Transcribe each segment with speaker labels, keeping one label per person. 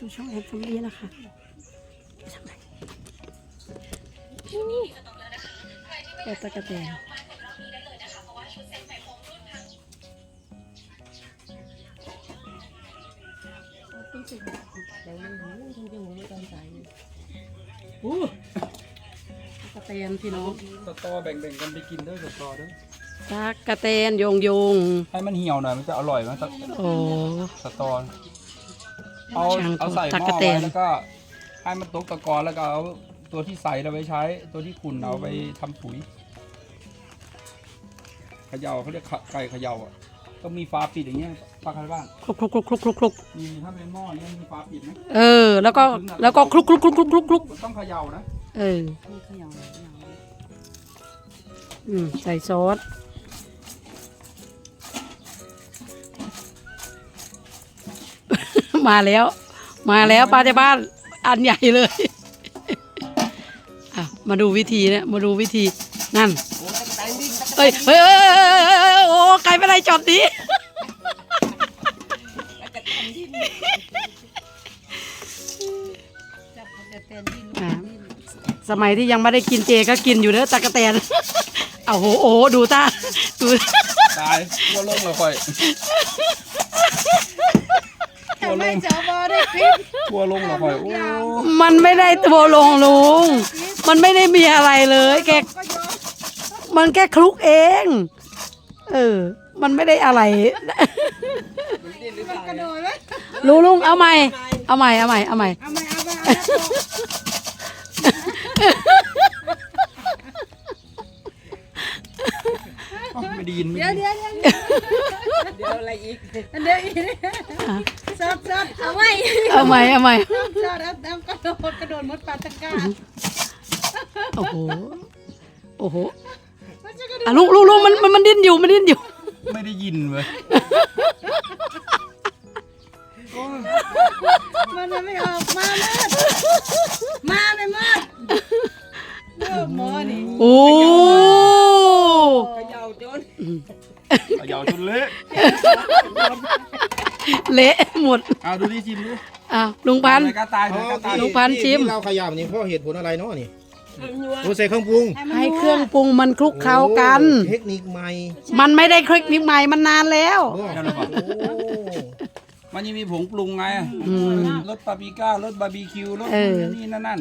Speaker 1: สู่ช่องแอนซัมบี้นะคะแอบตะกะแตนกระเตนพี่น้อง
Speaker 2: สตอแบ่งกันไปกินด้วยสตอด้วย
Speaker 1: ตักกระเตนโยง
Speaker 2: ให้มันเหี่ยวหน่อยมันจะอร่อยมั้ย
Speaker 1: โอ้
Speaker 2: สตอเอาใส่หม้อไว้แล้วก็ให้มันตกตะกอนแล้วก็เอาตัวที่ใส่เราไปใช้ตัวที่ขุ่นเอาไปทำปุ๋ยเขย่าเขาเรียกไก่เขย่าอ่ะต้องมีฝาปิดอย่างเงี้ยปลาคาร์บ้าน
Speaker 1: คลุก
Speaker 2: มีถ้าเป็นหม้อเนี่ยมีฝาปิดไหม
Speaker 1: แล้วก็คลุก
Speaker 2: ต้องเขย่านะ
Speaker 1: ใส่ซอสมาแล้วปลาจากบ้านอันใหญ่เลยมาดูวิธีนะมาดูวิธีนั่นเฮ้ยโอ้ใครเป็นไรจอดนี้สมัยที่ยังไม่ได้กินเจก็กินอยู่เด้อตะกะแตนโอ้โหดูตาดู
Speaker 2: ตายตัวลงเลยค่อย
Speaker 3: ทำไมเจ้าบอได้คลิป
Speaker 2: ตัวลงเลยค่อยโอ้
Speaker 1: มันไม่ได้ตัวลงลุงมันไม่ได้มีอะไรเลยมันแค่คลุกเองมันไม่ได้อะไรลุงเอาใหม่
Speaker 2: ไม่ได้ยิน
Speaker 3: เดี๋ยวอะไรอีกซอดเอาใหม่
Speaker 1: ซอด
Speaker 3: แล้วกระโดดมดปลาตะกร้า
Speaker 1: โอ้โหลุงมันดิ้นอยู่
Speaker 2: ไม่ได้ยินเว้ย
Speaker 3: มันไม่ออกมาไม่มืดหมอนี่
Speaker 1: โอ้
Speaker 3: เขย่าจน
Speaker 1: เละหมด
Speaker 2: ดูดิชิมดู
Speaker 1: ลุงพันธุ์ชิม
Speaker 4: เราขยำนี่เพราะเหตุผลอะไรเนาะนี่ใส่เครื่องปรุง
Speaker 1: ให้เครื่องปรุงมันคลุกเคล้ากัน
Speaker 4: เทคนิคใหม่
Speaker 1: มันไม่ได้เทคนิคใหม่มันนานแล้ว
Speaker 2: มันยังมีผงปรุงไงรสปาปริก้ารสบาร์บีคิวรสนี่นั่น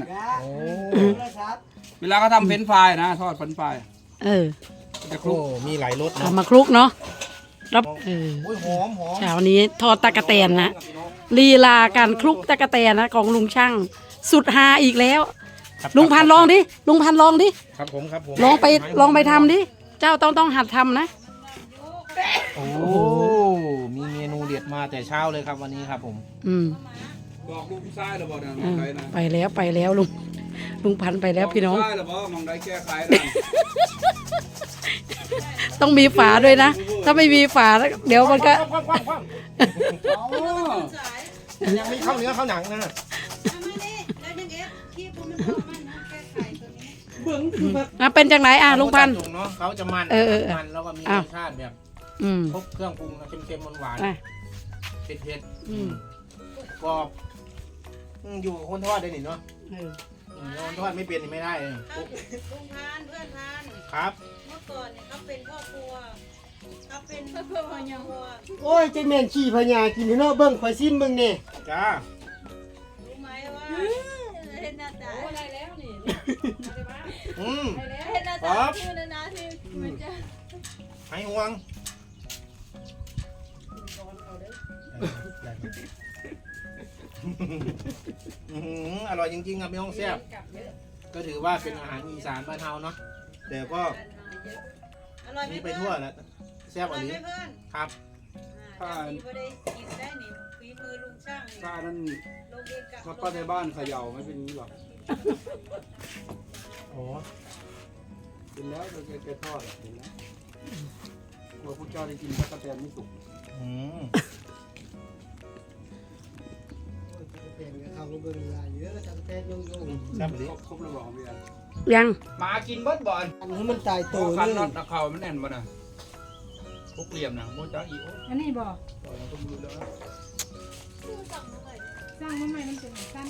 Speaker 2: เวลาเขาทำเฟรนช์ฟรายนะทอดเฟรนช์ฟราย
Speaker 4: จะคลุกมีหลายรส
Speaker 1: มาคลุกเนาะรับ
Speaker 4: หอม
Speaker 1: เช้านี้ทอดตะกะแตนนะลีลาการคลุกตะกะแตนนะของลุงช่างสุดฮาอีกแล้วลุงพันลองดิ
Speaker 4: ครับผม
Speaker 1: ลองไปทำดิเจ้าต้องหัดทำนะ
Speaker 4: โอ้มีเมนูเด็ดมาแต่เช้าเลยครับวันนี้ครับผม
Speaker 2: บอกลุงซ้ายหรือบอกนะ
Speaker 1: ไปแล้วลุงพันไปแล้วพี่น้อง
Speaker 2: ซ้ายหรือบอกมองได้แก้ไขนะ
Speaker 1: ต้องมีฝาด้วยนะถ้าไม่มีฝาเดี๋ยวมันก็
Speaker 4: ยังไม่เข้าเนื้อเข้าหนังนะ
Speaker 1: เป็นจังไหนลุงพันธุ์
Speaker 4: เขาจะมันแล้วก็มีรสชาติแบบครบเครื่องปรุงเค็มๆหวานๆเผ็ดๆกรอบอยู่คนทอดได้หนิเนาะคนทอดไม่เป็นไม่ได้เลย
Speaker 3: ลุงพานเพื่อนพาน
Speaker 4: ครับ
Speaker 3: เมื่อก่อนเนี่ยเขาเป็นพ่อครัวเขาเป็นเพื่อนพญา
Speaker 5: โอ้ยเจ๊แม่นขี้พญากินเนาะเบิ้งข่อยซิมเบิ้งนี่
Speaker 4: จ้า
Speaker 3: รู้ไหมว่าเห็นหน้าตาอะไรแล้วนี่เห็นหน้าตาชื่อนาที่มันจะ
Speaker 4: ให้ห่วงอร่อยจริงๆครับพี่น้องแซ่บก็ถือว่าเป็นอาหารอีสานบ้านเฮาเนาะแต่ก็นี่ไปทั่วแล้วแซ่บอันนี้ครับ
Speaker 2: ถ้านั้นมาป้าในบ้านเขย่าไม่เป็นนี้หรอกเป็นแล้วเราแกทอดเห็นแล้วกลัวพวกเจ้าได้กินตะกะแตนไม่สุก
Speaker 5: เอาลงเบิ้งลายเยอะจังแท้ยง
Speaker 2: ครบแล้วบอกเบียร์
Speaker 1: ยัง
Speaker 2: มากินเบิดบ่อน
Speaker 5: อันนี้มันตายตัว
Speaker 2: คันน็อตตะเข่ามันแน่นบ่นะพวกเหลี่ยมนะโมจ้าอีโอ
Speaker 3: อันนี้บ่
Speaker 2: ต้องดูแล้ว
Speaker 3: สร้างมาใหม่มันเป็นสั้น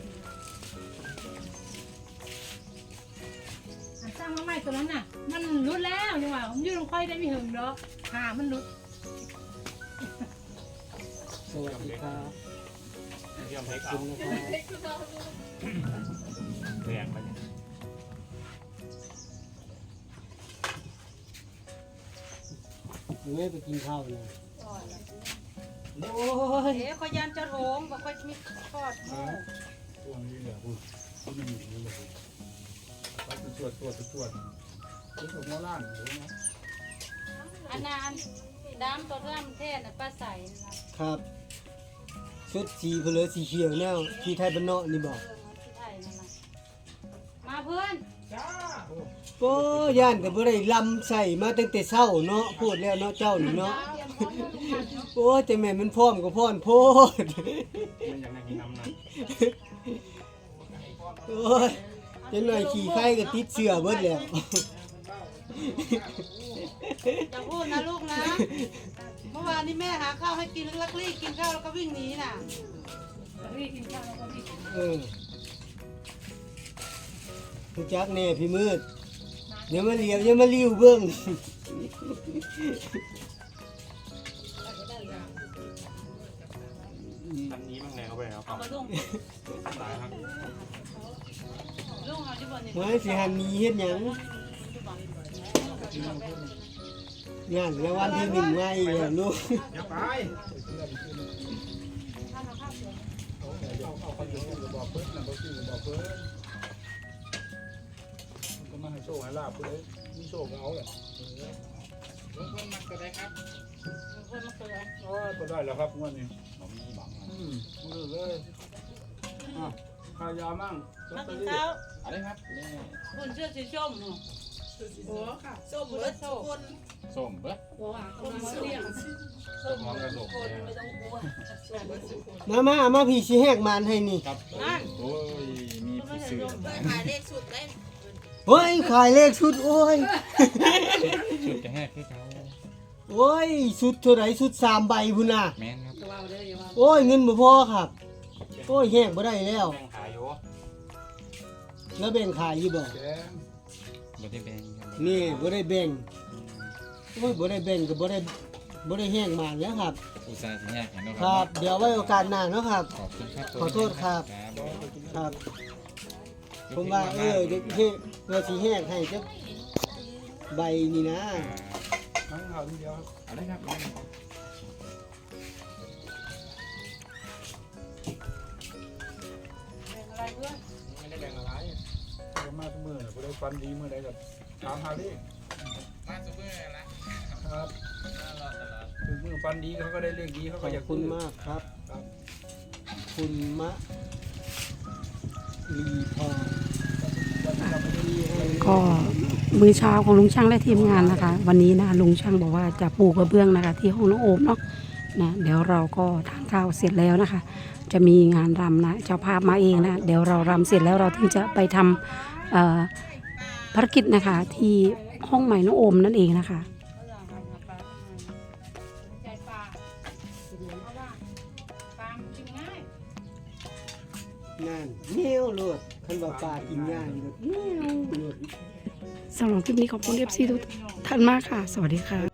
Speaker 3: สร้างมาใหม่ตัวนั้นน่ะมันรุดแล้วนี่หว่าผมยืนลงค่อยได้ไม่หึงเนาะขามันรุด
Speaker 5: สวัสดีครับ
Speaker 4: เยี่ยมเล็ก
Speaker 5: ขอบคุณนะครับ
Speaker 4: แรงไป
Speaker 5: ไม่ไปกินข้าวเลยโอ้ย
Speaker 3: เอ๊ะขยันจะโถงบอกค่อยมีทอด
Speaker 2: ช่วงนี้เนี่ยคุณไม่มีนี่เลยเขาจะตรวจคุณถูกมาล่างหรือไง
Speaker 3: อันนั้นดำตัวเรื่องเทศน่ะป้าใส่นะครับ
Speaker 5: ชุดสีเพลือสีเขียวแนวที่ไทยบ้านนอกนี่บอก
Speaker 3: ที่ไทยนั่นน่ะมาเพื่อน
Speaker 5: โอ้ย่านก็บ่ได้ลำใส่มาตั้งแต่เช้าเนาะพูดแล้วเนาะเจ้านี่เนาะโอ้แต่แม่มันพร้อมก็พร้อมโพด
Speaker 4: มันยังมีน้ำหนัก
Speaker 5: โอ้ยจังหน่อยขี่ไข่ก็ติดเสื้อเบิดแล้ว
Speaker 3: อย่าพูดนะลูกนะ เมื่อวานนี้แม่หาข้าวให้กินลักลี่กินข้าวแล้วก็วิ่งหนีน่ะลักลี่กินข้าวแล้วก็วิ่ง
Speaker 5: รู้จักแน่พี่มืดอย่ามาเลียวอย่ามาลิ้วเบิ่ง
Speaker 4: อันนี้มันแรงเข้าไปครับ
Speaker 3: เอามาลุง
Speaker 4: ตายครับ
Speaker 3: ลุงเอาที่บ่เนี่ย
Speaker 5: ไว้สิหันหนี้เฮ็ดหยังงานแล้ววันที่1ไงแล้วลูก
Speaker 4: อย่าไป
Speaker 2: เอาคนอยู่กับบอกเพิ่นนะบอกชื่อบอกเพิ่นมันก็มาให้โชคให้ลาบเพิ่นเลยมีโชคก็เอาแหละ
Speaker 4: ลงคนมันก็ได้ครับ
Speaker 3: คนมาเกิด
Speaker 2: โอ้ยก็ได้แล้วครับงวดนี้มือเลยขายามั่ง
Speaker 3: มากินข้าว
Speaker 4: อะไรครับ
Speaker 3: คนเชื่อสีส้มหนูโอ้ค่ะส้มเบิร์ดส้มคน
Speaker 4: ส้มเบ้อ
Speaker 3: โอ้ค่ะคนมาเลี้ยง
Speaker 4: ส้มกระดูก
Speaker 3: ไม่ต้องกลัว
Speaker 5: มาพี่สิแหกมานให้นี่
Speaker 4: ครับโอ้ยมีผู้ซื้อ
Speaker 3: ขายเลขสุดได้
Speaker 5: โอ้ยขายเลขชุดโอ้ย
Speaker 4: ชุดจะแหกให้เขา
Speaker 5: โอ้ยชุดเท่าไหร่ชุด3ใบพุ่นน่ะ
Speaker 4: แมนครับ
Speaker 5: โอ้ยเงินบ่พอครับโอ้ยแหกบ่ได้แล้ว
Speaker 4: แบ่งขายอยู่
Speaker 5: แล้วแบ่งขายอยู่บ่
Speaker 2: แกง
Speaker 4: บ่ได้แบ่งครับ
Speaker 5: นี่บ่ได้แบ่งโอ้ยบ่ได้แบ่งก็บ่ได้แหกมานแล้วครับ
Speaker 4: อุตส่าห์สิแหกเห็นเนาะ
Speaker 5: ครับ เดี๋ยวไว้โอกาสหน้าเนาะครับ
Speaker 4: ขอบคุณครับ
Speaker 5: ขอโทษครับ
Speaker 4: ครับ
Speaker 5: ผมว่าเดี๋ยวเฮ็ดว่าสิแหกให้จักใบนี่นะ
Speaker 2: ทั้งข่าวทีเดียว
Speaker 4: อะไรครับ
Speaker 3: อะไรเพื่อน
Speaker 4: ไม่ได้แบ่งอะไร
Speaker 2: ก็มาทุกมื้อบ่ได้ฟันดีมื้อใดก็ถามหาดิ
Speaker 4: มาซุปเปอร์นะครับ
Speaker 2: ถึงมื้อฟันดีเขาก็ได้เลขดีเขา
Speaker 5: ข
Speaker 2: ก็
Speaker 5: อ
Speaker 2: อยา
Speaker 5: บ
Speaker 2: ก
Speaker 5: คุณ
Speaker 2: ซื้อ
Speaker 5: มากครับ
Speaker 2: ครับ
Speaker 5: คุณมะลีพร
Speaker 1: ก็มื้อเช้าของลุงช่างและทีมงานนะคะ วันนี้นะลุงช่างบอกว่าจะปูกระเบื้องนะคะ ที่ห้องน้องโอมเนาะนะเดี๋ยวเราก็ทานข้าวเสร็จแล้วนะคะ จะมีงานรำนะเจ้าภาพมาเองนะเดี๋ยวเรารำเสร็จแล้วเราถึงจะไปทำภารกิจนะคะ ที่ห้องใหม่น้องโอมนั่นเองนะคะ
Speaker 3: ใจปลาเพราะว่าปลามันกินง่าย
Speaker 5: นั่นเงี้ยวโลดคันว่าปลากินง่ายโลดเงี้ยวโลด
Speaker 1: สำหรับคลิปนี้ขอบคุณ FC ทุกท่านมากค่ะ สวัสดีค่ะ